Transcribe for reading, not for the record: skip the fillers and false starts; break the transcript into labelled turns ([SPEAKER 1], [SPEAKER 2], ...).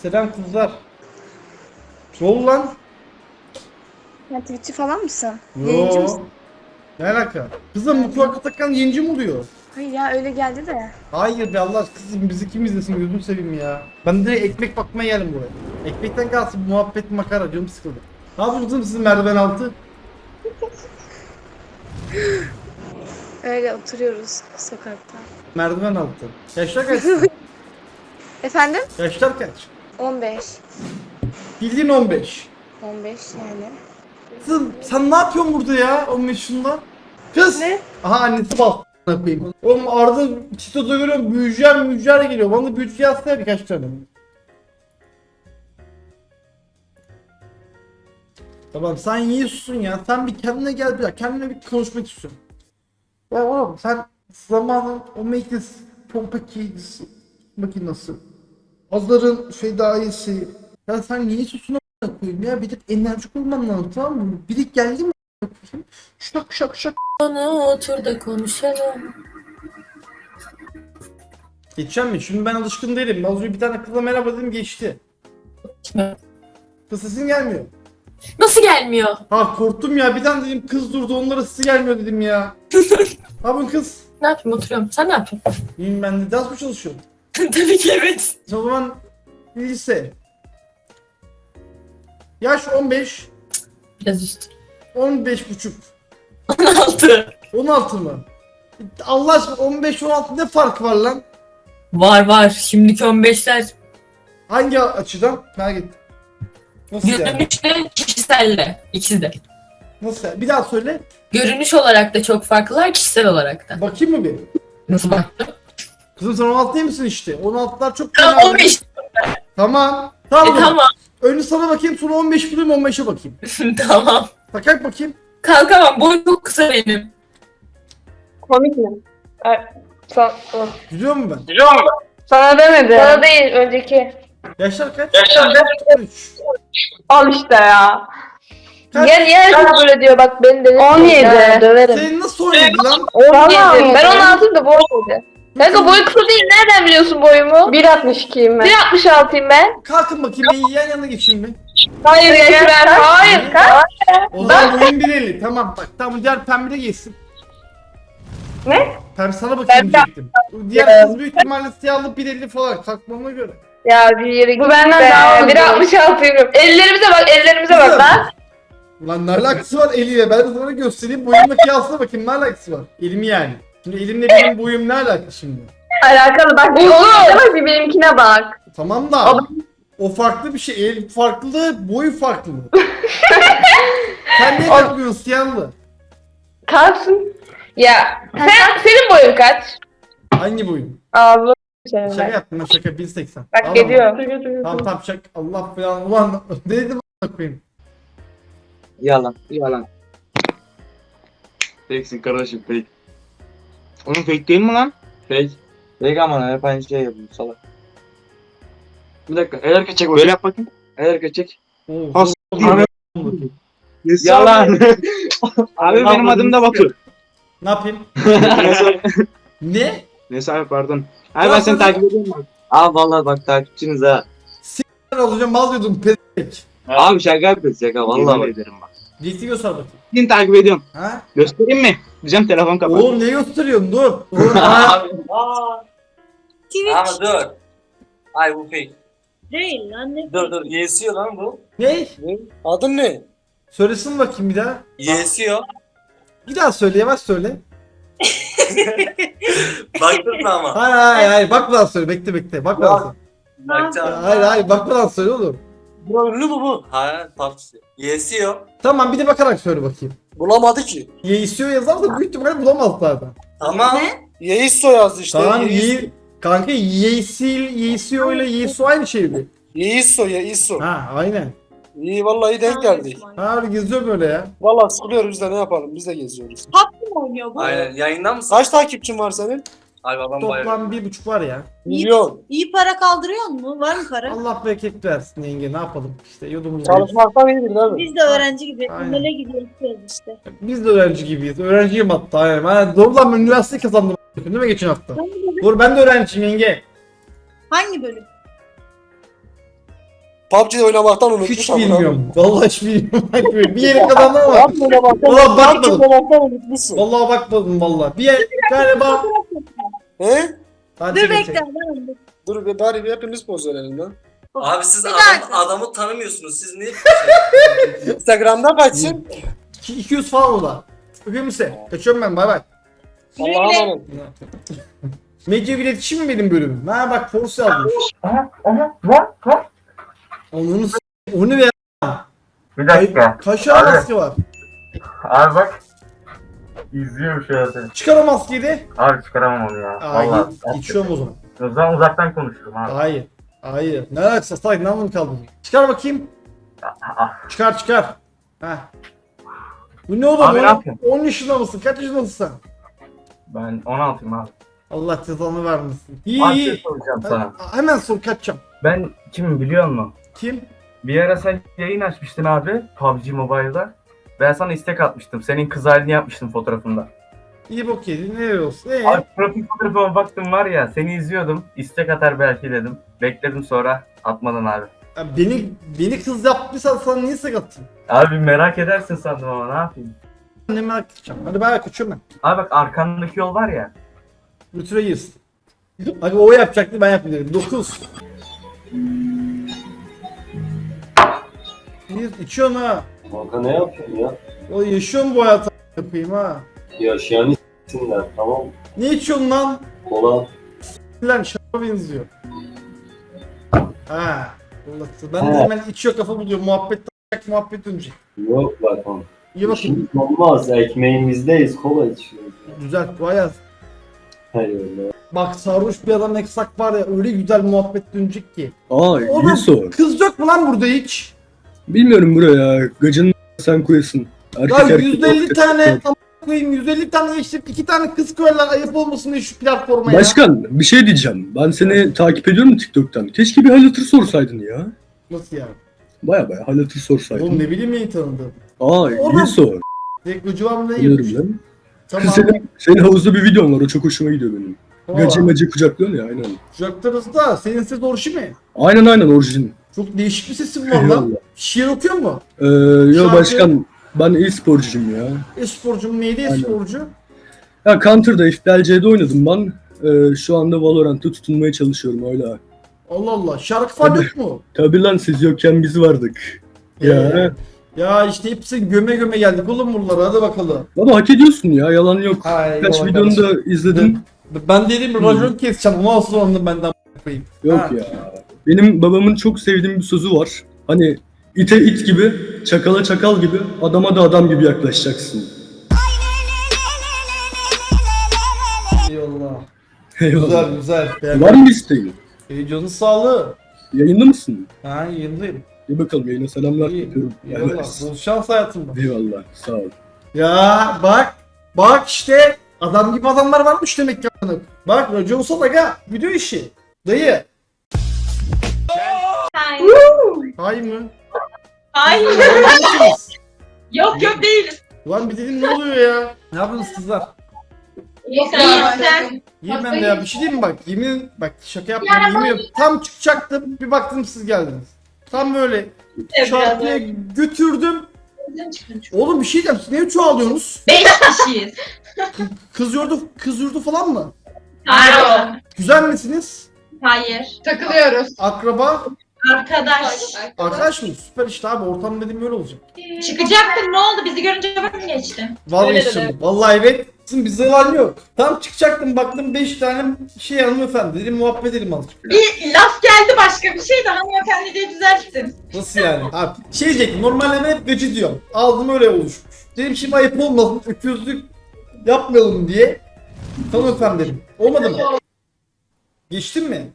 [SPEAKER 1] Selam kızlar. Ne oldu lan?
[SPEAKER 2] Ya Twitch'çi falan mısın? Yayıncı
[SPEAKER 1] Yo.
[SPEAKER 2] mısın?
[SPEAKER 1] Ne alaka? Kızım bu kulaklık takan yayıncı mı oluyor?
[SPEAKER 2] Hayır ya öyle geldi de.
[SPEAKER 1] Hayır be Allah aşkına kızım bizi kim izlesin gözünü seveyim ya. Ben direkt ekmek bakmaya geldim buraya. Ekmekten kalsın muhabbet makara canım sıkıldı. Ne yapıyorsunuz sizin merdiven altı?
[SPEAKER 2] Öyle oturuyoruz sokakta.
[SPEAKER 1] Merdiven altı. Yaşlar kaç?
[SPEAKER 2] Efendim?
[SPEAKER 1] Yaşlar kaç?
[SPEAKER 2] 15.
[SPEAKER 1] Bildiğin 15.
[SPEAKER 2] 15 yani.
[SPEAKER 1] Kızım sen ne yapıyorsun burada ya 15 yaşında? Kız!
[SPEAKER 2] Ne?
[SPEAKER 1] Aha annesi bal. Koyayım. Oğlum Arda Çito'da görüyorum büyücüler geliyor. Bana da büyücü yazsana birkaç tane. Tamam sen yiyorsun ya. Sen bir kendine gel bir kendine bir konuşmak istiyorum. Ya oğlum sen zamanın o Matrix pompaki makinesi. Azların fedaisi. Ya sen niye susuna koyayım ya? Bir de enerjik olman lazım tamam mı? Biri geldi mi koyayım? Şak şak şak.
[SPEAKER 3] Bana otur da konuşalım.
[SPEAKER 1] Geçeceğim mi? Şimdi ben alışkın değilim. Az önce bir tane kızla merhaba dedim geçti. Kız sesin gelmiyor.
[SPEAKER 3] Nasıl gelmiyor?
[SPEAKER 1] Ha korktum ya bir tane dedim kız durdu onlara sesi gelmiyor dedim ya. Ha bu kız.
[SPEAKER 3] Ne yapayım oturuyorum. Sen ne yapıyorsun?
[SPEAKER 1] Bilmiyorum ben de ders mi çalışıyorum?
[SPEAKER 3] Tabii ki evet.
[SPEAKER 1] O zaman lise. Yaş 15.
[SPEAKER 3] Biraz üstü.
[SPEAKER 1] 15 buçuk.
[SPEAKER 3] 16.
[SPEAKER 1] 16 mı? Allah aşkına 15-16 ne fark var lan?
[SPEAKER 3] Var. Şimdiki 15'ler
[SPEAKER 1] Hangi açıdan? Merak ettim. Nasıl yani?
[SPEAKER 3] görünüşle kişiselle. İkisi de.
[SPEAKER 1] Nasıl yani? Bir daha söyle.
[SPEAKER 3] Görünüş olarak da çok farklılar, kişisel olarak da.
[SPEAKER 1] Bakayım mı bir?
[SPEAKER 3] Nasıl baktın?
[SPEAKER 1] Kızım sen 16 değil misin işte? 16'lar çok
[SPEAKER 3] Tamam
[SPEAKER 1] fena.
[SPEAKER 3] 15.
[SPEAKER 1] Tamam. Tamam.
[SPEAKER 3] Tamam.
[SPEAKER 1] Önce sana bakayım sonra 15 bulayım 15'e bakayım.
[SPEAKER 3] Tamam.
[SPEAKER 1] Takak bakayım.
[SPEAKER 3] Kalkamam. Boy çok kısa benim.
[SPEAKER 4] Komik mi?
[SPEAKER 1] Gidiyor mu ben?
[SPEAKER 4] Sana demedi. Sana değil, önceki.
[SPEAKER 1] Yaşlar kaç? 13.
[SPEAKER 4] Al işte ya.
[SPEAKER 1] Kaç?
[SPEAKER 4] Niye böyle diyor bak beni de 17. Döverim.
[SPEAKER 1] Senin nasıl oynadı lan?
[SPEAKER 4] 17. Ben 16'yım da bu 17. Kanka boy kısa değil, nereden biliyorsun boyumu? 1.62'yim ben. 1.66'yım ben.
[SPEAKER 1] Kalkın bakayım bir yan yana geçin bir.
[SPEAKER 4] Hayır geçmem. Hayır kaç?
[SPEAKER 1] O zaman boyun 1.50. Tamam bak tamam diğer pembe de geçsin.
[SPEAKER 4] Ne?
[SPEAKER 1] Pembe sana bakayım diyecektim. Diğer kız büyük ihtimalle siyahlı 1.50 falan kalkmama göre.
[SPEAKER 4] Ya bir yere bu benden daha uzun. 1.66'yım. Ellerimize bak, ellerimize bak
[SPEAKER 1] Kızım.
[SPEAKER 4] lan.
[SPEAKER 1] Ulan ne alakası var eliyle? Ben de sana göstereyim boyumla kıyasla bakayım ne alakası var? Elimi yani. Şimdi elimle benim boyum ne alaka şimdi?
[SPEAKER 4] Alakalı bak. Bir bak bir benimkine bak.
[SPEAKER 1] Tamam da o farklı bir şey. El farklı, boy farklı. Sen niye kalkmıyorsun siyahlı?
[SPEAKER 4] Kalsın. Ya senin boyun kaç?
[SPEAKER 1] Hangi boyun?
[SPEAKER 4] Ağzı
[SPEAKER 1] Şaka yaptım ben şaka 1.80.
[SPEAKER 4] Bak
[SPEAKER 1] Ağlama.
[SPEAKER 4] geliyor.
[SPEAKER 1] Tamam tamam şaka. Allah falan. Ulan ne dedim a**ına koyayım?
[SPEAKER 5] Yalan. Fake'sin kardeşim fake. Onun fake değil mi lan? Fake. Fake ama hep aynı şey yapıyor salak. Bir dakika el hareket çek. Böyle yap bakayım. El hareket çek.
[SPEAKER 1] Oo,
[SPEAKER 5] Has
[SPEAKER 1] Yalan.
[SPEAKER 5] Yalan. Abi benim adım da Batu.
[SPEAKER 1] Ne yapayım?
[SPEAKER 5] Neyse.
[SPEAKER 1] Ne?
[SPEAKER 5] Neyse abi pardon. Abi ben seni takip ediyorum bak. Abi vallahi bak takipçiniz ha.
[SPEAKER 1] Ben olacağım mal diyordum pezek.
[SPEAKER 5] Abi şaka yapıyoruz şaka vallahi bak. Ederim bak.
[SPEAKER 1] Ciddi göster bakayım.
[SPEAKER 5] Seni takip ediyorum.
[SPEAKER 1] Ha?
[SPEAKER 5] Göstereyim mi? Diyeceğim telefon kapat.
[SPEAKER 1] Oğlum ne gösteriyorsun dur. Oğlum, ha.
[SPEAKER 6] Ama dur. Ay bu fake.
[SPEAKER 7] Değil lan ne?
[SPEAKER 6] Dur yesiyor lan bu.
[SPEAKER 1] Ne?
[SPEAKER 6] Adın ne?
[SPEAKER 1] Söylesin bakayım bir daha.
[SPEAKER 6] Yesiyor.
[SPEAKER 1] Bir daha söyle yavaş söyle.
[SPEAKER 6] Baktın mı ama?
[SPEAKER 1] Hayır bakmadan söyle bekle bakmadan söyle.
[SPEAKER 6] Bakacağım.
[SPEAKER 1] Hayır bakmadan söyle oğlum.
[SPEAKER 6] Bu ünlü mü bu? Hayır PUBG. Yesiyor.
[SPEAKER 1] Tamam bir de bakarak söyle bakayım.
[SPEAKER 8] Bulamadı ki.
[SPEAKER 1] Yeisio yazarsa büyük ihtimalle bulamaz zaten.
[SPEAKER 6] Tamam.
[SPEAKER 8] Yeiso yazdı işte.
[SPEAKER 1] Tamam
[SPEAKER 8] Yeiso.
[SPEAKER 1] kanka Yeisio ile Yeiso aynı şey mi?
[SPEAKER 8] Yeiso.
[SPEAKER 1] Ha aynen.
[SPEAKER 8] İyi vallahi denk geldi.
[SPEAKER 1] Ha öyle geziyor böyle ya.
[SPEAKER 8] Vallahi sıkılıyoruz biz de ne yapalım biz de geziyoruz.
[SPEAKER 7] PUBG mi oynuyor bu?
[SPEAKER 6] Aynen. Yayında mısın?
[SPEAKER 8] Kaç takipçin var senin?
[SPEAKER 6] Ay babam bayağı.
[SPEAKER 1] Toplam 1.5 var ya.
[SPEAKER 8] Milyon.
[SPEAKER 7] İyi para kaldırıyor mu? Var mı para?
[SPEAKER 1] Allah bereket versin yenge ne yapalım işte yudumuz.
[SPEAKER 8] Çalışmaktan iyidir değil mi?
[SPEAKER 7] Biz de öğrenci gibi
[SPEAKER 1] Aynen.
[SPEAKER 7] amele gidiyoruz işte.
[SPEAKER 1] Biz de öğrenci gibiyiz. Öğrenciyim hatta aynen. Ben doğru lan ben üniversite kazandım. Değil mi geçen hafta? Doğru ben de öğrenciyim yenge.
[SPEAKER 7] Hangi bölüm?
[SPEAKER 8] PUBG oynamaktan unutmuş.
[SPEAKER 1] Hiç
[SPEAKER 8] amına
[SPEAKER 1] bilmiyorum. Vallahi hiç bilmiyorum. Bir yere kazandım ama.
[SPEAKER 8] PUBG oynamaktan
[SPEAKER 1] Ulan
[SPEAKER 8] PUBG
[SPEAKER 1] bakmadım.
[SPEAKER 8] oynamaktan unutmuşsun.
[SPEAKER 1] Vallahi bakmadım vallahi. Bir yer galiba.
[SPEAKER 8] He?
[SPEAKER 1] Hadi
[SPEAKER 7] Dur
[SPEAKER 1] çek,
[SPEAKER 7] bekle.
[SPEAKER 1] çek.
[SPEAKER 7] ben-
[SPEAKER 8] Dur be bari bir hepimiz poz verelim lan.
[SPEAKER 6] Abi siz
[SPEAKER 7] Bir dakika.
[SPEAKER 6] adamı tanımıyorsunuz. Siz niye?
[SPEAKER 8] Instagram'da kaçsın?
[SPEAKER 1] 200 falan o da. Öpüyorum size. Kaçıyorum ben, bay bay.
[SPEAKER 8] Allah'a emanet.
[SPEAKER 1] Medya iletişim mi benim bölümüm? Ha bak Force yazmış. Onu onu ver.
[SPEAKER 9] Bir dakika.
[SPEAKER 1] Kaşar
[SPEAKER 9] Abi.
[SPEAKER 1] maske var.
[SPEAKER 9] Abi bak. İzliyorum şu an seni.
[SPEAKER 1] Çıkar o maskeyi de.
[SPEAKER 9] Abi çıkaramam onu ya.
[SPEAKER 1] Aa,
[SPEAKER 9] Vallahi.
[SPEAKER 1] geçiyorum o zaman.
[SPEAKER 9] O zaman uzaktan konuşurum abi.
[SPEAKER 1] Hayır. Hayır. Ne alakası? Salak ne anlamı kaldı? Çıkar bakayım.
[SPEAKER 9] Ah,
[SPEAKER 1] Çıkar çıkar. Heh. Bu ne oğlum?
[SPEAKER 9] Abi ne yapıyorsun?
[SPEAKER 1] 10 yaşında mısın? Kaç yaşındasın sen?
[SPEAKER 9] Ben 16'yım abi.
[SPEAKER 1] Allah cezanı vermesin. İyi
[SPEAKER 9] Abi bir şey
[SPEAKER 1] iyi.
[SPEAKER 9] soracağım sana.
[SPEAKER 1] Hemen sor kaçacağım.
[SPEAKER 9] Ben kimim biliyor musun?
[SPEAKER 1] Kim?
[SPEAKER 9] Bir ara sen yayın açmıştın abi. PUBG Mobile'da. Ben sana istek atmıştım. Senin kız halini yapmıştım fotoğrafında.
[SPEAKER 1] İyi bok yedin. Nereye olsun?
[SPEAKER 9] Abi profil fotoğrafıma baktım var ya. Seni izliyordum. İstek atar belki dedim. Bekledim sonra atmadın abi.
[SPEAKER 1] Ya beni kız yaptıysan sana niye sakattın?
[SPEAKER 9] Abi merak edersin sandım ama ne yapayım?
[SPEAKER 1] Ne merak edeceğim. Hadi ben kaçıyorum ben.
[SPEAKER 9] Abi bak arkandaki yol var ya.
[SPEAKER 1] Götüre girsin. Abi o yapacaktı ben yapayım dedim. 9. Bir içiyorsun ha.
[SPEAKER 10] Kanka ne yapıyorsun ya?
[SPEAKER 1] O yaşıyorsun bu hayatı yapayım ha.
[SPEAKER 10] Yaşayan isimler tamam mı?
[SPEAKER 1] Ne içiyorsun lan?
[SPEAKER 10] Kola.
[SPEAKER 1] Lan şaraba benziyor. Ha. Allah ben de
[SPEAKER 10] He.
[SPEAKER 1] hemen içiyor kafa buluyor. Muhabbet dönecek.
[SPEAKER 10] Yok bak oğlum.
[SPEAKER 1] İyi bakın.
[SPEAKER 10] İşimiz olmaz. Ekmeğimizdeyiz. Kola içiyoruz.
[SPEAKER 1] Güzel. Bu hayat.
[SPEAKER 10] Eyvallah.
[SPEAKER 1] Bak sarhoş bir adam eksak var ya öyle güzel muhabbet dönecek ki.
[SPEAKER 11] Aa iyi
[SPEAKER 1] Oğlum
[SPEAKER 11] sor.
[SPEAKER 1] kız yok mu lan burada hiç?
[SPEAKER 11] Bilmiyorum buraya. Gacın sen koyasın.
[SPEAKER 1] Ya 150 tane a**ına koyayım 150 tane eşit 2 tane kız koyarlar ayıp olmasın diye şu platforma ya.
[SPEAKER 11] Başkan bir şey diyeceğim. Ben seni takip ediyorum TikTok'tan. Keşke bir hal hatır sorsaydın ya.
[SPEAKER 1] Nasıl yani?
[SPEAKER 11] Baya hal hatır sorsaydın.
[SPEAKER 1] Oğlum ne bileyim neyi tanıdım.
[SPEAKER 11] Aa
[SPEAKER 1] Oğlum.
[SPEAKER 11] iyi sor.
[SPEAKER 1] Tek ucubam ne
[SPEAKER 11] Biliyorum
[SPEAKER 1] yemiş.
[SPEAKER 11] lan.
[SPEAKER 1] Tamam.
[SPEAKER 11] Senin havuzda bir videon var. O çok hoşuma gidiyor benim. Gacı
[SPEAKER 1] Tamam.
[SPEAKER 11] macı kucaklıyorsun ya aynen.
[SPEAKER 1] Kucaklarız da senin ses orijin mi?
[SPEAKER 11] Aynen orijin.
[SPEAKER 1] Çok değişik bir sesin var lan.
[SPEAKER 11] Eyvallah.
[SPEAKER 1] Şiir okuyor mu?
[SPEAKER 11] Yo
[SPEAKER 1] Şarkı-
[SPEAKER 11] başkan ben e-sporcuyum ya.
[SPEAKER 1] E-sporcu mu neydi
[SPEAKER 11] Aynen.
[SPEAKER 1] e-sporcu?
[SPEAKER 11] Ya Counter'da FPLC'de oynadım ben. Şu anda Valorant'ta tutunmaya çalışıyorum öyle.
[SPEAKER 1] Allah Allah şarkı falan
[SPEAKER 11] Tabii.
[SPEAKER 1] yok mu?
[SPEAKER 11] Tabi lan siz yokken biz vardık. Ya.
[SPEAKER 1] Ya işte hepsi göme göme geldik oğlum buralara hadi bakalım.
[SPEAKER 11] Baba hak ediyorsun ya yalan yok.
[SPEAKER 1] Hay
[SPEAKER 11] Kaç
[SPEAKER 1] eyvallah
[SPEAKER 11] videonu
[SPEAKER 1] kardeşim.
[SPEAKER 11] da izledim.
[SPEAKER 1] Ben dedim racon keseceğim onu asıl anladım benden koyayım.
[SPEAKER 11] Yok
[SPEAKER 1] Ha.
[SPEAKER 11] ya. Benim babamın çok sevdiğim bir sözü var. Hani ite it gibi, çakala çakal gibi, adama da adam gibi yaklaşacaksın.
[SPEAKER 1] Eyvallah.
[SPEAKER 11] Eyvallah.
[SPEAKER 1] Güzel.
[SPEAKER 11] Var mı isteğin?
[SPEAKER 1] Canın sağlığı.
[SPEAKER 11] Yayında mısın?
[SPEAKER 1] Ha yayındayım.
[SPEAKER 11] Bir bakalım yayına selamlar
[SPEAKER 1] İyi.
[SPEAKER 11] yapıyorum.
[SPEAKER 1] Eyvallah. Bol şans hayatımda.
[SPEAKER 11] Eyvallah. Sağ ol.
[SPEAKER 1] Ya bak işte adam gibi adamlar varmış demek ki. Bak racon olsa aga video işi. Dayı. Hay mı?
[SPEAKER 3] Hayır.
[SPEAKER 1] Nasılsınız?
[SPEAKER 3] Yok değiliz.
[SPEAKER 1] Ulan bir dedim ne oluyor ya? Ne yapıyorsunuz kızlar?
[SPEAKER 3] Yok sen.
[SPEAKER 1] İyiyim ben de ya. Bir şey diyeyim mi bak? Yemin bak şaka yapmıyorum. Yemin ediyorum. Tam çıkacaktım. Bir baktım siz geldiniz. Tam böyle şarkıya götürdüm. Oğlum bir şey diyeceğim. Siz niye çoğalıyorsunuz?
[SPEAKER 3] 5 kişiyiz.
[SPEAKER 1] Kız yurdu falan mı?
[SPEAKER 3] Hayır.
[SPEAKER 1] Güzel misiniz?
[SPEAKER 3] Hayır.
[SPEAKER 4] Takılıyoruz.
[SPEAKER 1] Akraba?
[SPEAKER 3] Arkadaş.
[SPEAKER 1] Arkadaş mı? Süper işte abi. Ortam dediğim böyle olacak.
[SPEAKER 3] Çıkacaktın ne oldu? Bizi görünce bakın geçti.
[SPEAKER 1] Vazgeçtim. Vallahi evet. Bizde yalan yok. Tam çıkacaktım baktım 5 tane şey hanımefendi. Dedim muhabbet edelim azıcık.
[SPEAKER 3] Bir laf geldi başka bir şey de hanımefendi diye düzelttin.
[SPEAKER 1] Nasıl yani? Abi şey diyecektim. Normalde ben hep gıcı diyorum. Ağzım öyle oluşmuş. Dedim şimdi ayıp olmasın. Öküzlük yapmayalım diye. Hanımefendi dedim. Olmadı mı? Geçtin mi?